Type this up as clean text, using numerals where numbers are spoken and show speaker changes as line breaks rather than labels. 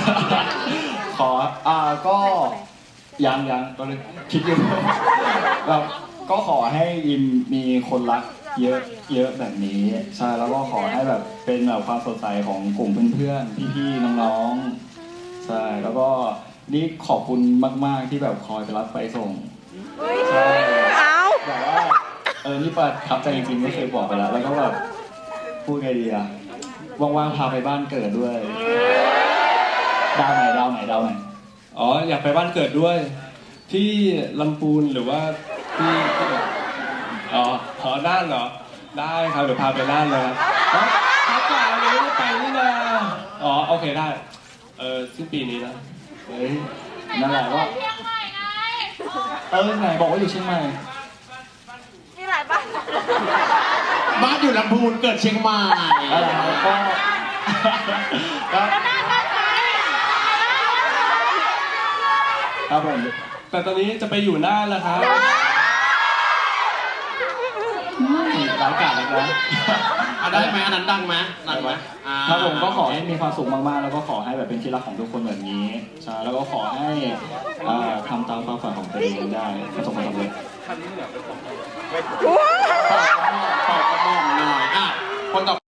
ขอก็ยังก็เลยคิดอยู่เราก็ขอให้ยิมมีคนรักเยอะแบบนี้ใช่แล้วก็ขอให้แบบเป็นแบบความสดใสของกลุ่มเพื่อนๆพี่ๆน้องๆใช่แล้วก็นี่ขอบคุณมากๆที่แบบคอยไปรับไปส่งใช่แบบว่านี่ประทับใจจริงๆไม่เคยบอกไปแล้วก็แบบพูดไงดีอะว่างๆพาไปบ้านเกิดด้วยดาวไหน
อ๋ออยากไปบ้านเกิดด้วยที่ลำพูนหรือว่าที่อ๋อน่านเหรอได้ครับเดี๋ยวพาไปน่านเลยครับพักก่อนเลยไม่ได้ไปนี่นะอ๋อโอเคได้สิ้นปีนี้นะ
เฮ้ยนั่นแหละว่าไหนบอกว่าอยู่เชียงใหม่
มีหลายบ้าน
บ้านอยู่ลำพูนเกิดเชียงใหม่
อะไรก็ครับผม
แต่ตอนนี้จะไปอยู่น่านแล้วครับ
ร้ายกาจแล้วนะ
ได้ไหมอันนั้นดังไหมดังไหม
ครับผมก็ขอให้มีความสุขมากๆแล้วก็ขอให้แบบเป็นที่รักของทุกคนแบบนี้ใช่แล้วก็ขอให้ทำตามความฝันของตัวเองได้ประสบความสำเร็จ
ตอบกระหม่อมหน่อยคนต่อ